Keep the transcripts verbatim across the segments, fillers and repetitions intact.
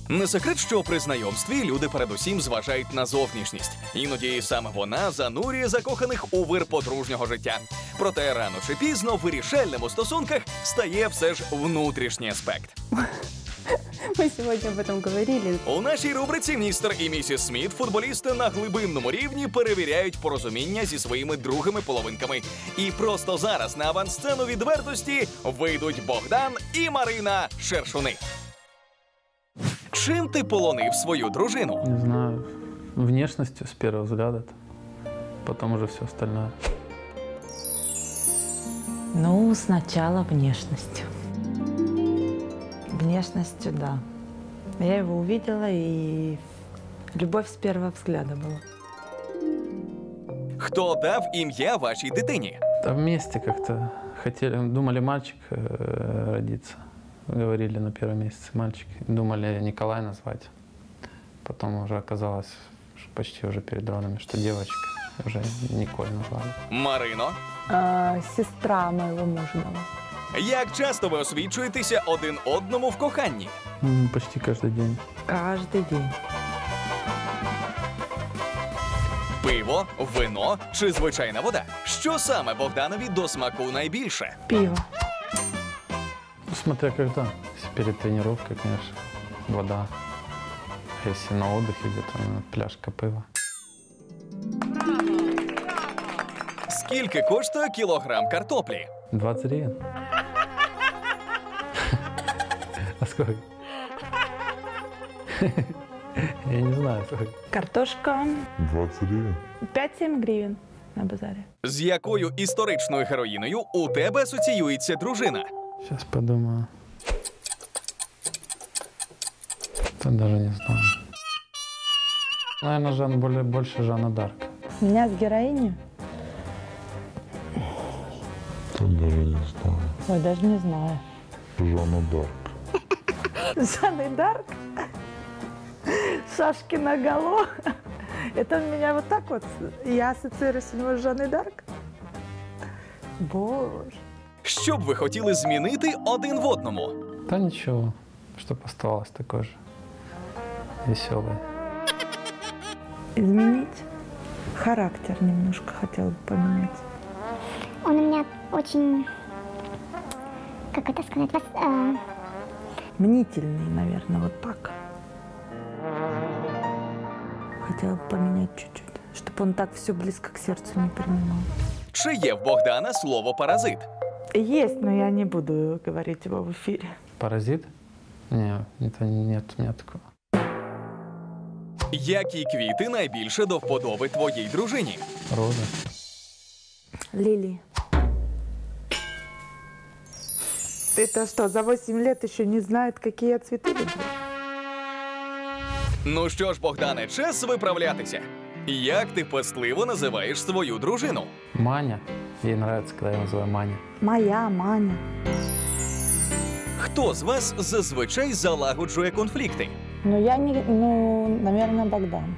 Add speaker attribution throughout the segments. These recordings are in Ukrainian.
Speaker 1: Не секрет, що при знайомстві люди передусім зважають на зовнішність. Іноді саме вона занурює закоханих у вир подружнього життя. Проте рано чи пізно вирішальним у стосунках стає все ж внутрішній аспект.
Speaker 2: Ми сьогодні об этом говорили.
Speaker 1: У нашій рубриці «Містер і місіс Сміт» футболісти на глибинному рівні перевіряють порозуміння зі своїми другими половинками. І просто зараз на авансцену відвертості вийдуть Богдан і Марина Шершуни. Чим ти полонив свою дружину?
Speaker 3: Не знаю, внешностью с первого взгляда, потом уже все остальное.
Speaker 4: Ну, сначала внешностью. Внешностью, да. Я его увидела, и любовь с первого взгляда была.
Speaker 1: Хто дав ім'я вашій дитині?
Speaker 3: Да вместе как-то хотели, думали мальчик э, родиться. Говорили на первом месяце мальчик. Думали Николай назвать. Потом уже оказалось, что почти уже перед родами, что девочка. Уже Николь назвали.
Speaker 1: Марино?
Speaker 2: А, сестра моего мужа была.
Speaker 1: Як часто ви освічуєтеся один одному в коханні?
Speaker 3: М, Почти каждый день.
Speaker 4: Каждый день.
Speaker 1: Пиво, вино чи звичайна вода? Що саме Богданові до смаку найбільше?
Speaker 4: Пиво.
Speaker 3: Ну, смотря когда. Если перед тренировкой, конечно, вода. А если на отдыхе где-то, ну, пляжка пива.
Speaker 1: Скільки коштує кілограм картоплі?
Speaker 3: двадцать гривен. А сколько? Я не знаю, сколько.
Speaker 4: Картошка
Speaker 5: двадцать гривен.
Speaker 4: пять-семь гривен на базаре.
Speaker 1: З якою історичною героїною у тебе асоціюється дружина?
Speaker 3: Сейчас подумаю. Да даже не знаю. Наверное, Жан, более, больше Жанна Дарк.
Speaker 4: Меня с героиней?
Speaker 5: Тут даже не знаю.
Speaker 4: Ой, даже не знаю.
Speaker 5: Жанна Дарк.
Speaker 4: Жанна Дарк? Шашки наголо. Это у меня вот так вот. Я ассоциируюсь у него с Жанной Дарк. Боже.
Speaker 1: Що б ви хотіли змінити один в одному?
Speaker 3: Да ничего, чтоб оставалось такой же веселый.
Speaker 4: Изменить? Характер немножко хотела бы поменять.
Speaker 6: Он у меня очень, как это сказать, вас, э,
Speaker 4: Мнительный, наверное, вот так. Хотела бы поменять чуть-чуть, чтобы он так все близко к сердцу не принимал.
Speaker 1: Чи є в Богдана слово «паразит»?
Speaker 4: Есть, но я не буду говорить его в эфире.
Speaker 3: Паразит? Не, это нет у меня такого.
Speaker 1: Які квіти найбільше до вподоби твоїй дружині?
Speaker 3: Роза.
Speaker 4: Лили. Это что, за восемь лет еще не знает, какие я цветы люблю?
Speaker 1: Ну що ж, Богдане, час виправлятися. Як ти пестливо називаєш свою дружину?
Speaker 3: Маня. Ей нравится, когда я называю Маня.
Speaker 4: Моя, Маня.
Speaker 1: Хто з вас зазвичай залагоджує конфлікти?
Speaker 4: Ну, я не, ну, наверное, Богдан.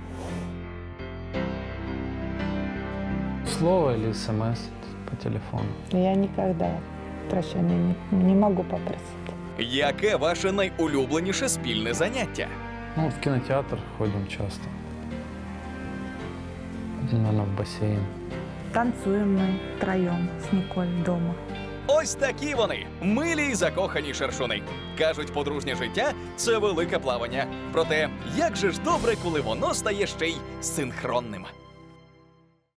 Speaker 3: Слово или смс по телефону.
Speaker 4: Я никогда прощения не, не могу попросить.
Speaker 1: Яке ваше найулюбленіше спільне заняття?
Speaker 3: Ну, в кинотеатр ходим часто. Наверное, в бассейн.
Speaker 4: Танцуем мы втроем с Николь дома.
Speaker 1: Ось такі вони, милі й закохані шершуни. Кажуть, подружнє життя – це велике плавання. Проте, як же ж добре, коли воно стає ще й синхронним.